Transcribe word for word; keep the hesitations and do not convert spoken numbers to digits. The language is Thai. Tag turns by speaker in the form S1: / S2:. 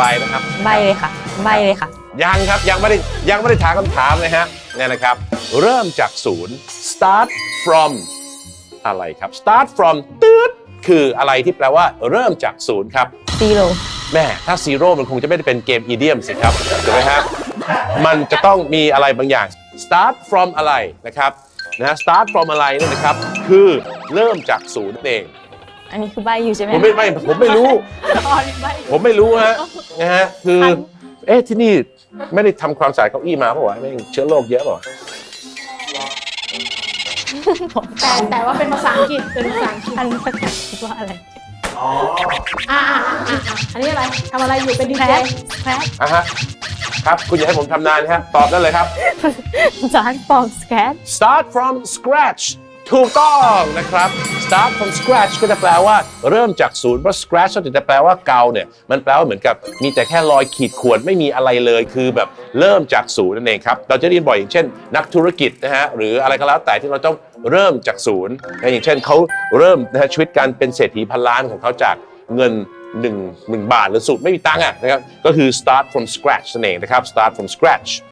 S1: ไปนะครับ
S2: ใบเลยค่ะใบเลยค่ะ
S1: ยังครับยังไม่ได้ยังไม่ได้ถามคำถามเลยฮะเนี่ยนะครับเริ่มจากศูนย์ start from อะไรครับ start from ตืดคืออะไรที่แปลว่าเริ่มจากศูนย์ครับ
S2: zero
S1: แม่ถ้า zero มันคงจะไม่ได้เป็นเกมอีเดียมสิครับถูกไหมครับมันจะต้องมีอะไรบางอย่าง start from อะไรนะครับนะฮะ start from อะไรเนี่ยนะครับคือเริ่มจากศูนย์นั่นเอง
S2: อันนี้คือใบอยู่ใช่ไหม
S1: ผมไม่ไม่ผมไม่รู้
S2: อ๋อนี่ใบ
S1: ผมไม่รู้ฮะนะฮะคือเอ๊ะที่นี่ไม่ได้ทำความสะอาดเก้าอี้มาเปล่าวะไม่เชื้อโรคเยอะเปล่าวะ
S3: แต่แต่ว่าเป็นภาษาอังกฤษเป็นภาษาอังกฤษ
S2: อันประกาศคิดว่าอะไร
S3: อ่าอ่าอ่าอันนี้อะไรทำอะไรอยู่เป็นดีเจ
S2: แคร
S1: อ่ะฮะครับคุณอยากให้ผมทำนานฮะตอบได้เลยครับ
S2: start from scratch
S1: start from scratch ถูกต้องนะครับ start from scratch ก็จะแปลว่าเริ่มจากศูนย์เพราะ scratch ก็จะแปลว่าเกาเนี่ยมันแปลว่าเหมือนกับมีแต่แค่รอยขีดข่วนไม่มีอะไรเลยคือแบบเริ่มจากศูนย์นั่นเองครับเราจะได้ยินบ่อยอย่างเช่นนักธุรกิจนะฮะหรืออะไรก็แล้วแต่ที่เราต้องเริ่มจากศูนย์อย่างเช่นเขาเริ่มนะฮะชีวิตการเป็นเศรษฐีพันล้านของเขาจากเงินหนึ่งหนึ่งบาทหรือสูตรไม่มีตังค์อ่ะนะครับก็คือ start from scratch นั่นเองนะครับ start from scratch